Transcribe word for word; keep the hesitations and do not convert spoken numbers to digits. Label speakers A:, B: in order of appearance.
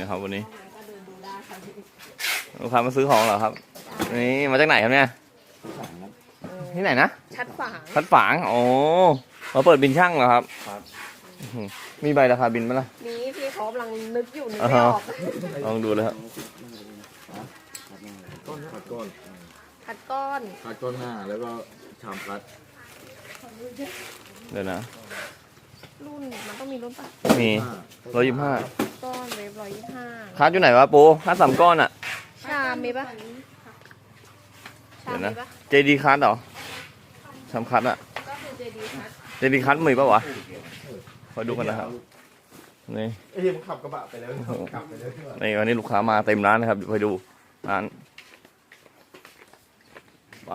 A: นะครับวันนี้ลูกค้ามาซื้อของเหรอครับนี่มาจากไหนครับเนี่ยที่ไหนนะ
B: ชัดฝาง
A: ชัดฝางโอ้มาเปิดบินช่างเหรอครับ
C: ครับ
A: มีใบราคาบินไหมล่ะ
B: นี่พี่เขากำลังนึกอยู่นึกไม่ออก
A: ลองดูเลยครับ
C: คัดก้อน
B: คัดก้อน
C: คัดก้อนห้าแล้วก็ชามคัด
A: เดี๋ยวนะ
B: รุ่นมันต้องมีรุ่นปะ
A: มีร้อยยี่สิบห้า
B: ก้อนเวฟร้อยยี่สิบห้า
A: คัดอยู่ไหนวะปูคัดสามก้อนอ่ะ
B: ชามมีปะ
A: เดี๋ยวนะเจดีคัดเหรอชามคัดอ่ะ
B: ก็คือเจดีคัด
A: เจดีคัดมีปะวะขอดูกันนะครับนี่
C: ไอ้มันขับกระบะไปแล้วขับไปแล้ว
A: นี่วันนี้ลูกค้ามาเต็มร้านนะครับไปดูร้านไป